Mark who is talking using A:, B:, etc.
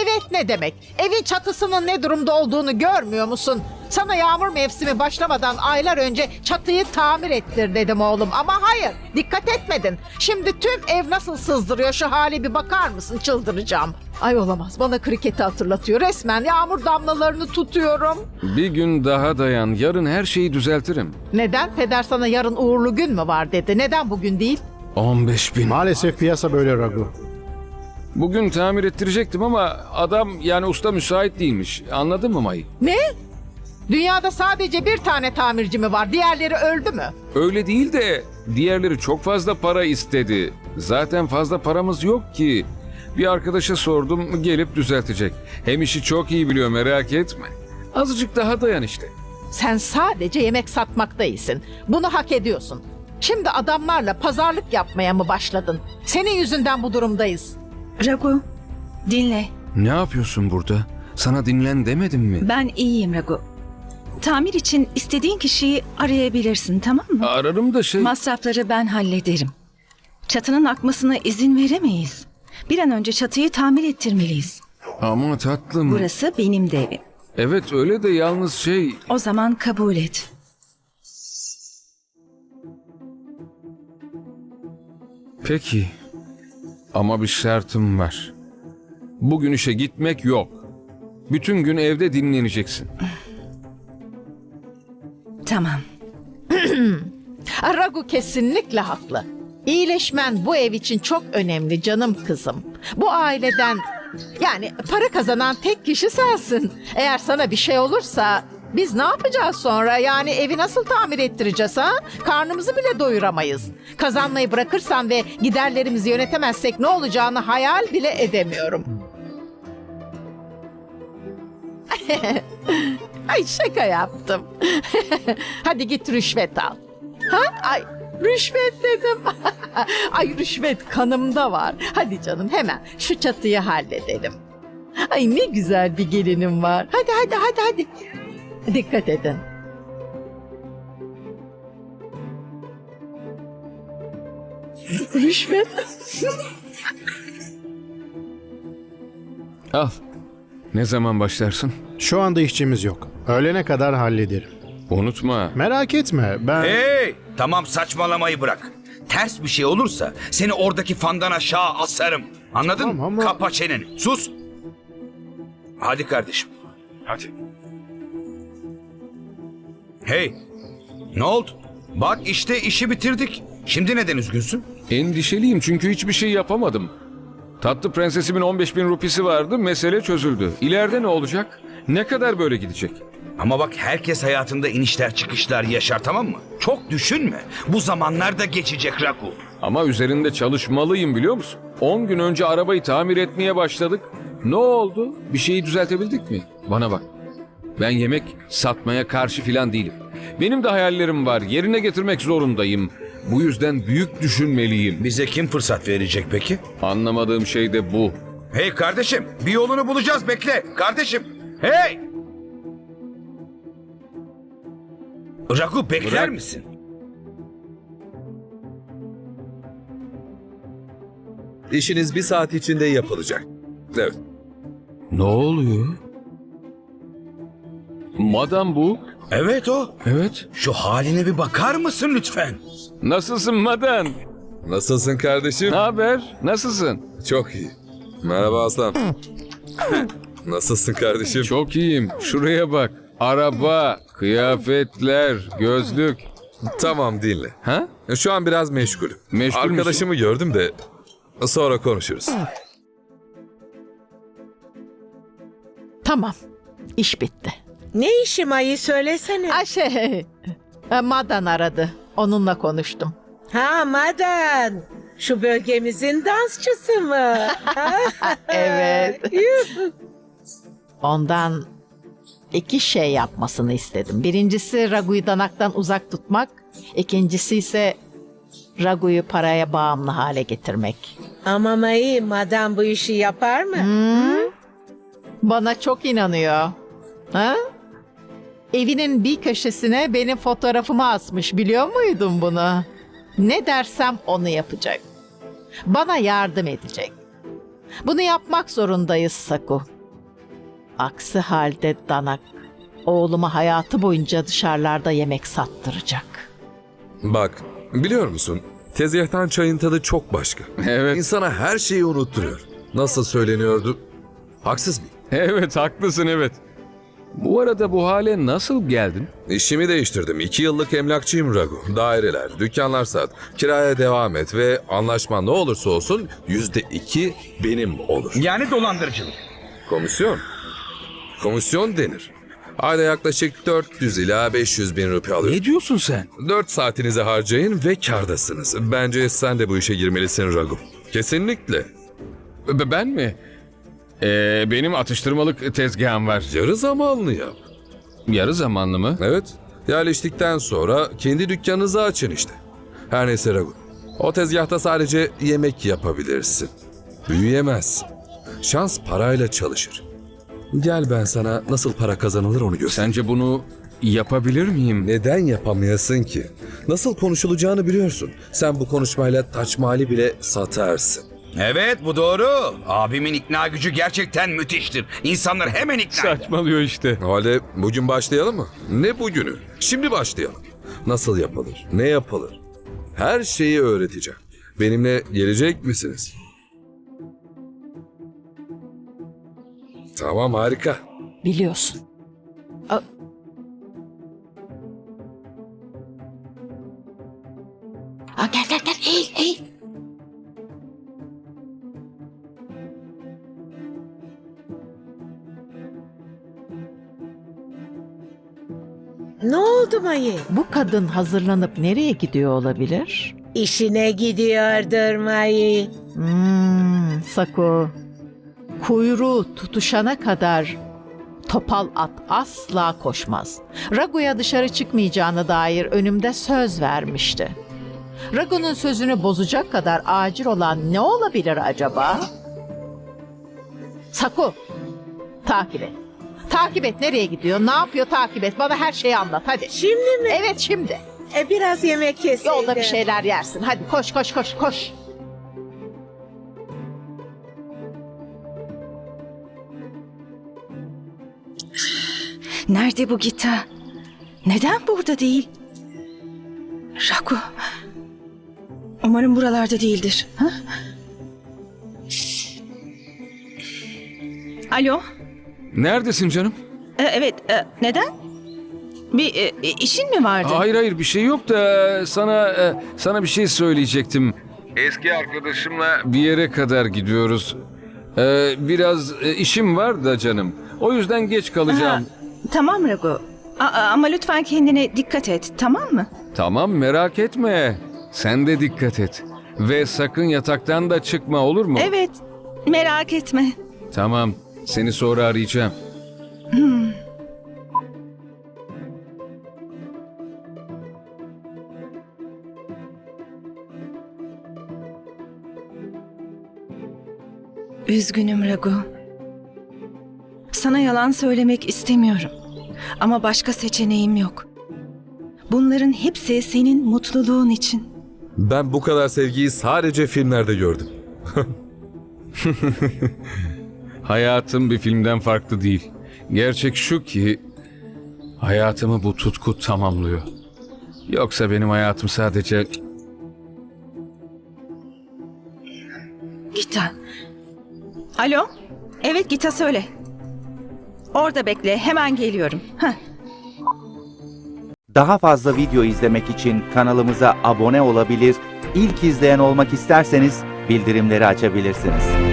A: Evet ne demek? Evin çatısının ne durumda olduğunu görmüyor musun? Sana yağmur mevsimi başlamadan aylar önce çatıyı tamir ettir dedim oğlum. Ama hayır, dikkat etmedin. Şimdi tüm ev nasıl sızdırıyor, şu hale bir bakar mısın? Çıldıracağım. Ay olamaz, bana kriketi hatırlatıyor. Resmen yağmur damlalarını tutuyorum.
B: Bir gün daha dayan. Yarın her şeyi düzeltirim.
A: Neden? Peder sana yarın uğurlu gün mü var dedi. Neden bugün değil?
B: 15.000.
C: Maalesef piyasa böyle Ragu.
B: Bugün tamir ettirecektim ama adam yani usta müsait değilmiş. Anladın mı May?
A: Ne? Dünyada sadece bir tane tamirci mi var? Diğerleri öldü mü?
B: Öyle değil de diğerleri çok fazla para istedi. Zaten fazla paramız yok ki. Bir arkadaşa sordum, gelip düzeltecek. Hem işi çok iyi biliyor, merak etme. Azıcık daha dayan işte.
A: Sen sadece yemek satmakta iyisin. Bunu hak ediyorsun. Şimdi adamlarla pazarlık yapmaya mı başladın? Senin yüzünden bu durumdayız.
D: Ragu, dinle.
B: Ne yapıyorsun burada? Sana dinlen demedim mi?
D: Ben iyiyim Ragu. Tamir için istediğin kişiyi arayabilirsin, tamam mı?
B: Ararım da
D: Masrafları ben hallederim. Çatının akmasına izin veremeyiz. Bir an önce çatıyı tamir ettirmeliyiz.
B: Ama tatlım.
D: Burası benim de evim.
B: Evet öyle de yalnız
D: O zaman kabul et.
B: Peki. Ama bir şartım var. Bugün işe gitmek yok. Bütün gün evde dinleneceksin.
D: Tamam.
A: Ragu kesinlikle haklı. İyileşmen bu ev için çok önemli canım kızım. Bu aileden yani para kazanan tek kişi sensin. Eğer sana bir şey olursa biz ne yapacağız sonra? Yani evi nasıl tamir ettireceğiz ha? Karnımızı bile doyuramayız. Kazanmayı bırakırsan ve giderlerimizi yönetemezsek ne olacağını hayal bile edemiyorum. Ay şaka yaptım. Hadi git rüşvet al. Ha? Ay rüşvet dedim. Ay rüşvet kanımda var. Hadi canım hemen şu çatıyı halledelim. Ay ne güzel bir gelinim var. Hadi. Dikkat edin. Rüşvet.
B: Al. Ne zaman başlarsın?
C: Şu anda işçimiz yok. Öğlene kadar hallederim.
B: Unutma.
C: Merak etme, ben...
E: Hey! Tamam saçmalamayı bırak. Ters bir şey olursa seni oradaki fandan aşağı asarım. Anladın
C: Tamam
E: mı?
C: ama-
E: Kapa çeneni. Sus. Hadi kardeşim. Hadi. Hey! Ne oldu? Bak işte işi bitirdik. Şimdi neden üzgünsün?
B: Endişeliyim çünkü hiçbir şey yapamadım. Tatlı prensesimin 15.000 rupisi vardı, mesele çözüldü. İleride ne olacak? Ne kadar böyle gidecek?
E: Ama bak herkes hayatında inişler çıkışlar yaşar, tamam mı? Çok düşünme. Bu zamanlar da geçecek Ragu.
B: Ama üzerinde çalışmalıyım biliyor musun? 10 gün önce arabayı tamir etmeye başladık. Ne oldu? Bir şeyi düzeltebildik mi? Bana bak. Ben yemek satmaya karşı filan değilim. Benim de hayallerim var. Yerine getirmek zorundayım. Bu yüzden büyük düşünmeliyim.
E: Bize kim fırsat verecek peki?
B: Anlamadığım şey de bu.
E: Hey kardeşim, bir yolunu bulacağız, bekle. Kardeşim, hey! Ragu bekler
B: Bırak.
E: misin?
F: İşiniz bir saat içinde yapılacak. Evet.
B: Ne oluyor? Madam bu.
E: Evet o.
B: Evet.
E: Şu haline bir bakar mısın lütfen?
B: Nasılsın Madan?
F: Nasılsın kardeşim?
B: Ne haber? Nasılsın?
F: Çok iyi. Merhaba aslan. Nasılsın kardeşim?
B: Çok iyiyim. Şuraya bak. Araba, kıyafetler, gözlük.
F: Tamam dinle.
B: Ha?
F: Şu an biraz meşgulüm.
B: Meşgul müsün?
F: Arkadaşımı gördüm de sonra konuşuruz.
A: Tamam. İş bitti.
G: Ne işim ayı söylesene.
A: Ay Madan aradı. Onunla konuştum.
G: Ha Madan. Şu bölgemizin dansçısı mı?
A: Evet.
G: Yuh.
A: Ondan 2 şey yapmasını istedim. Birincisi Ragu'yu danaktan uzak tutmak. İkincisi ise Ragu'yu paraya bağımlı hale getirmek.
G: Ama Mayı, Madan bu işi yapar mı?
A: Bana çok inanıyor. Ha? Evinin bir köşesine benim fotoğrafımı asmış. Biliyor muydun bunu? Ne dersem onu yapacak. Bana yardım edecek. Bunu yapmak zorundayız Saku. Aksi halde Danak oğluma hayatı boyunca dışarılarda yemek sattıracak.
F: Bak, biliyor musun? Tezgahtan çayın tadı çok başka.
B: Evet.
F: İnsana her şeyi unutturuyor. Nasıl söyleniyordu? Haksız mıyım?
B: Evet, haklısın, evet. Bu arada bu hale nasıl geldin?
F: İşimi değiştirdim. 2 yıllık emlakçıyım Ragu. Daireler, dükkanlar sat. Kiraya devam et ve anlaşman ne olursa olsun %2 benim olur.
E: Yani dolandırıcılık.
F: Komisyon. Komisyon denir. Ayda yaklaşık 400 ila 500 bin rupi alıyorum.
B: Ne diyorsun sen?
F: 4 saatinizi harcayın ve kârdasınız. Bence sen de bu işe girmelisin Ragu. Kesinlikle.
B: Ben mi? Benim atıştırmalık tezgahım var.
F: Yarı zamanlı yap.
B: Yarı zamanlı mı?
F: Evet. Yerleştikten sonra kendi dükkanınızı açın işte. Her neyse Ragu. O tezgahta sadece yemek yapabilirsin. Büyüyemezsin. Şans parayla çalışır. Gel ben sana nasıl para kazanılır onu göstereyim.
B: Sence bunu yapabilir miyim?
F: Neden yapamayasın ki? Nasıl konuşulacağını biliyorsun. Sen bu konuşmayla Taç Mahal'i bile satarsın.
E: Evet, bu doğru. Abimin ikna gücü gerçekten müthiştir. İnsanlar hemen ikna eder.
B: Saçmalıyor işte.
F: O halde bugün başlayalım mı? Ne bugünü? Şimdi başlayalım. Nasıl yapılır? Ne yapılır? Her şeyi öğreteceğim. Benimle gelecek misiniz? Tamam, harika.
A: Biliyorsun. Gel eğil.
G: Ne oldu Mayı?
A: Bu kadın hazırlanıp nereye gidiyor olabilir?
G: İşine gidiyordur Mayı.
A: Saku. Kuyruğu tutuşana kadar topal at asla koşmaz. Ragu'ya dışarı çıkmayacağına dair önümde söz vermişti. Ragu'nun sözünü bozacak kadar acil olan ne olabilir acaba? Saku, takip et. Takip et, nereye gidiyor, ne yapıyor, takip et. Bana her şeyi anlat hadi.
G: Şimdi mi?
A: Evet, şimdi.
G: Biraz yemek yeseydin.
A: Yolda bir şeyler yersin. Hadi koş.
D: Nerede bu Gita? Neden burada değil? Ragu. Umarım buralarda değildir. Ha? Alo.
B: Neredesin canım?
D: Evet. Neden? Bir işin mi vardı?
B: Hayır, bir şey yok da sana bir şey söyleyecektim. Eski arkadaşımla bir yere kadar gidiyoruz. Biraz işim var da canım. O yüzden geç kalacağım.
D: Tamam Ragu. Ama lütfen kendine dikkat et, tamam mı?
B: Tamam, merak etme. Sen de dikkat et. Ve sakın yataktan da çıkma, olur mu?
D: Evet, merak etme.
B: Tamam, seni sonra arayacağım.
D: Üzgünüm Ragu. Sana yalan söylemek istemiyorum. Ama başka seçeneğim yok. Bunların hepsi senin mutluluğun için.
F: Ben bu kadar sevgiyi sadece filmlerde gördüm.
B: Hayatım bir filmden farklı değil. Gerçek şu ki hayatımı bu tutku tamamlıyor. Yoksa benim hayatım sadece...
D: Gita. Alo? Evet Gita, söyle. Orada bekle, hemen geliyorum. Heh.
H: Daha fazla video izlemek için kanalımıza abone olabilir, ilk izleyen olmak isterseniz bildirimleri açabilirsiniz.